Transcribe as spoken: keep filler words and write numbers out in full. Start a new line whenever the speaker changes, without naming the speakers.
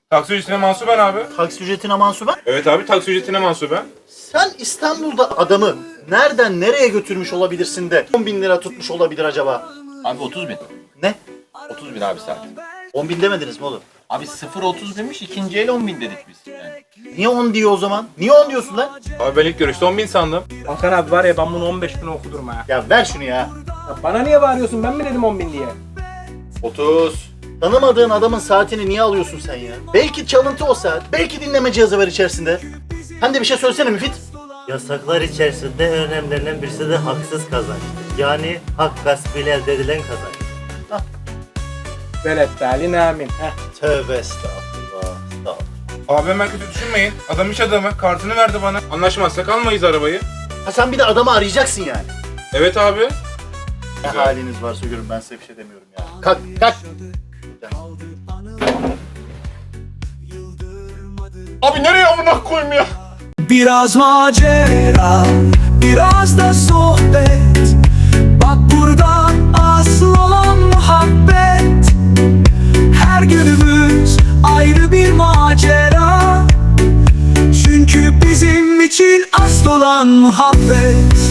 Taksi ücretine mansuben abi.
Taksi ücretine mansuben.
Evet abi, taksi ücretine mansuben.
Sen İstanbul'da adamı nereden nereye götürmüş olabilirsin de on bin lira tutmuş olabilir acaba?
Abi otuz bin.
Ne?
otuz bin abi saat.
on bin demediniz mi oğlum?
Abi sıfır otuz binmiş, ikinci el on bin dedik biz. Yani.
Niye on diyor o zaman? Niye on diyorsun lan?
Abi ben ilk görüşte on bin sandım.
Hakan abi var ya, ben bunu on beş bin okudurum ha.
Ya ver şunu ya.
Ya bana niye bağırıyorsun, ben mi dedim on bin diye?
otuz. Tanımadığın adamın saatini niye alıyorsun sen ya? Belki çalıntı o saat. Belki dinleme cihazı var içerisinde. Sen de bir şey söylesene Müfit.
Yasaklar içerisinde en önemlilerinden birisi de haksız kazanç. Yani hak gaspıyla elde edilen kazanç.
Velet talin amin. Heh.
Tövbe estağfurullah. Estağfurullah.
Abi hemen kötü düşünmeyin. Adam iş adamı. Kartını verdi bana. Anlaşmazsak almayız arabayı.
Ha sen bir de adamı arayacaksın yani.
Evet abi.
Ne
Güzel.
haliniz varsa görün, ben size bir şey demiyorum ya. Kalk kalk.
Abi nereye amına koyayım ya?
Biraz macera, biraz da sohbet. Bak burada asıl olan muhabbet. Her günümüz ayrı bir macera. Çünkü bizim için asıl olan muhabbet.